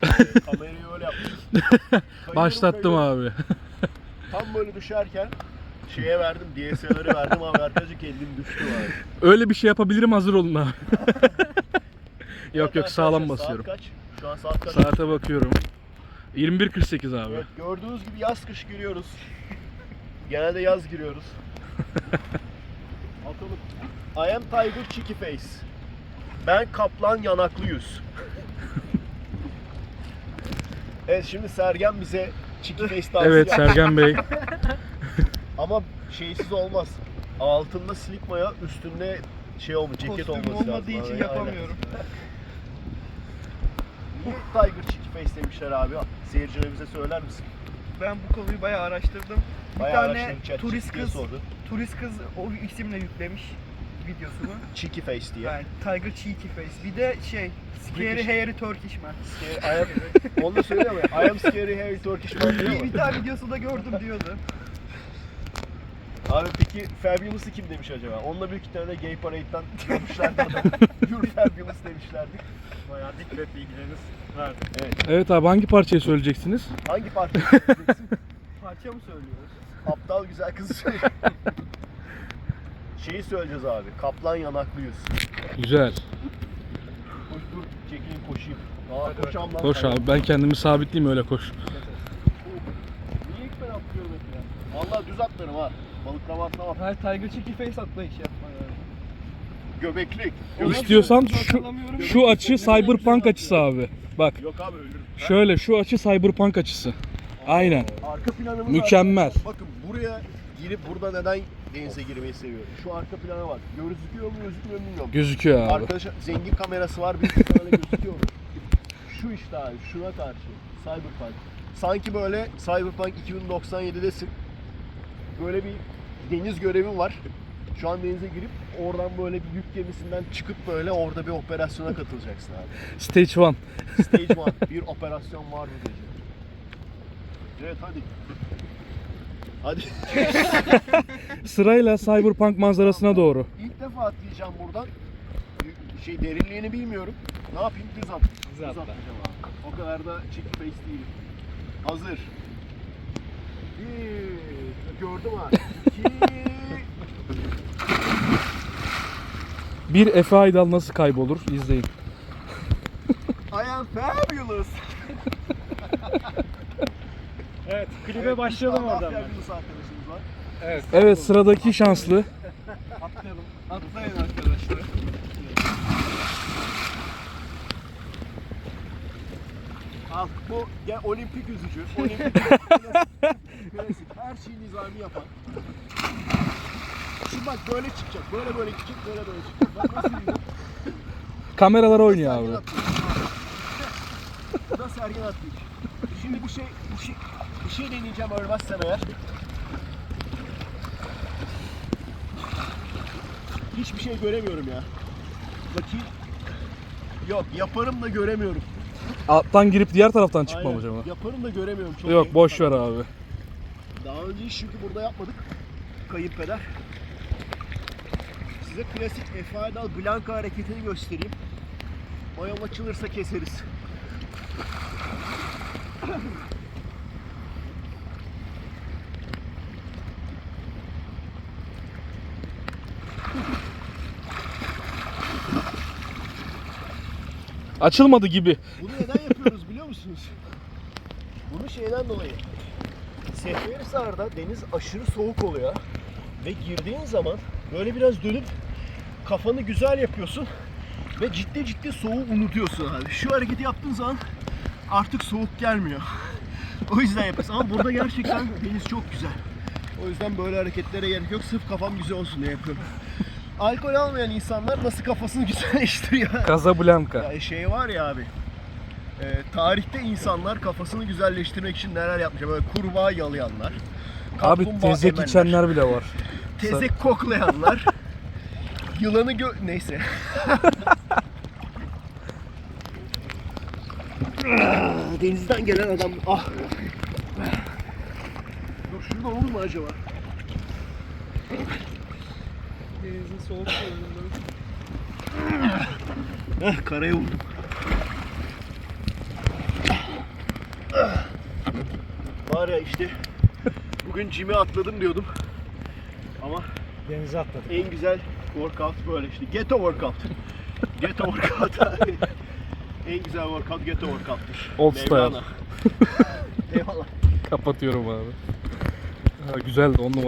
Kamerayı öyle yaptım. Başlattım abi. Tam böyle düşerken şeye verdim, DSLR'ı verdim abi, arkadaşlık elim düştü abi. Öyle bir şey yapabilirim, hazır olun abi. Yok Evet, sağlam arkadaşlar, basıyorum. Saat kaç? Şu an saat kaç? Saate bakıyorum. 21.48 abi. Evet, gördüğünüz gibi yaz kış giriyoruz. Genelde yaz giriyoruz. Atalım. I am Tiger Cheeky Face. Ben kaplan yanaklı yüz. Evet, şimdi Sergen bize Cheeky Face tavsiye Evet Sergen Bey. Ama şeysiz olmaz. Altında slip maya, üstünde şey olmuş, ceket Kostüm olması lazım. olmadığı için Aynen. yapamıyorum. Niye Tiger Cheeky Face demişler abi? Seyircilerimize söyler misin? Ben bu konuyu bayağı araştırdım. Bir Bayağı tane araştırdım, chat turist diye kız, sordu. turist kız o isimle yüklemiş videosunu. Cheeky Face diye. Yani Tiger Cheeky Face. Bir de Scary British. Hairy Turkish Man. Onu da söylüyor ama I am scary hairy Turkish man diyor Bir mu? tane videosunda gördüm diyordu. Abi peki Fabulous'ı kim demiş acaba? Onunla büyük ihtimalle Gay Parade'den görmüşlerdi adam. You're Fabulous demişlerdi. Bayağı dik ve bilgileriniz verdi. Evet. Evet abi, hangi parçayı söyleyeceksiniz? Hangi parça söyleyeceksin? Parça mı söylüyoruz? Aptal güzel kızı söyle. Şeyi söyleyeceğiz abi. Kaplan yanaklı yüz. Güzel. Koş dur. Çekilin koşayım. Aa koşam lan. Koş abi, ben kendimi sabitleyeyim, öyle koş. Niye ilk ben atlıyorum hep ya? Vallahi düz atlarım ha. Balıklama atlamam. Hayır, Tiger Cheeky Face atlayış yapma yani. Göbeklik. İstiyorsan şu açı Cyberpunk açısı abi. Bak Yok abi, ölürüm. şöyle, şu açı Cyberpunk açısı. Aynen. Arka planımız Mükemmel. arkadaşlar. Bakın buraya girip burada neden denize girmeyi seviyorum. Şu arka plana bak. Gözüküyor mu gözükmüyor mu bilmiyorum. Gözüküyor abi. Arkadaşlar zengin kamerası var. Büyük ihtimalle gözüküyor mu? Şu işte abi. Şuna karşı. Cyberpunk. Sanki böyle Cyberpunk 2097'desin. Böyle bir deniz görevin var. Şu an denize girip oradan böyle bir yük gemisinden çıkıp böyle orada bir operasyona katılacaksın abi. Stage 1. Stage 1. Bir operasyon var bu gece. Evet hadi. Hadi. Sırayla Cyberpunk manzarasına doğru. İlk defa atlayacağım buradan. Derinliğini bilmiyorum. Ne yapayım? Düz atlayacağım abi. O kadar da cheeky face değilim. Hazır. Bir. Gördüm abi. İki. Bir Efe Aydal nasıl kaybolur? İzleyin. I am fabulous. Evet, klibe başlayalım oradan. Fabulous arkadaşımız var. Evet. Evet, sıradaki şanslı. Atlayalım. Atlayın arkadaşlar. Al bu ya olimpik yüzücü. Olimpik klasik. Her şeyi nizami yapan. Şimdi bak böyle çıkacak. Böyle çıkacak. Böyle çıkacak. Bak nasıl yiyeceğim? Kameralar oynuyor abi. Bu da Sergen atlayış. Şimdi bir şey deneyeceğim ölmezsem eğer. Hiçbir şey göremiyorum ya. Bakayım. Yok, yaparım da göremiyorum. Alttan girip diğer taraftan çıkmam Aynen. acaba? Yaparım da göremiyorum. Çok Yok, iyi. boş ver abi. Daha önce hiç çünkü burada yapmadık. Kayınpeder. Size klasik Efe Aydal Blanka hareketini göstereyim. Mayom açılırsa keseriz. Açılmadı gibi. Bunu neden yapıyoruz biliyor musunuz? Bunu şeyden dolayı. Seferihisar'da deniz aşırı soğuk oluyor. Ve girdiğin zaman böyle biraz dönüp kafanı güzel yapıyorsun. Ve ciddi soğuğu unutuyorsun abi. Şu hareketi yaptığın zaman artık soğuk gelmiyor. O yüzden yapıyorsun. Ama burada gerçekten deniz çok güzel. O yüzden böyle hareketlere gerek yok. Sırf kafam güzel olsun diye yapıyorum. Alkol almayan insanlar nasıl kafasını güzelleştiriyor? Casablanca. Ya şey var ya abi. Tarihte insanlar kafasını güzelleştirmek için neler yapmış? Böyle kurbağa yalayanlar. Abi kaplumbağa tezek emenler, içenler bile var. tezek koklayanlar. Yılanı neyse. Denizden gelen adam. Ah. Dur şurada olur mu acaba? Denizin soğuk suyundan. Karaya vurdum. Var ya işte bugün gym'e atladım diyordum. Ama Denize atladık. en güzel workout böyle işte. Ghetto workout. Ghetto workout. En güzel workout ghetto workout'tur. Old style. Mevlana. Eyvallah. Kapatıyorum abi. Ha, güzeldi 10 numara.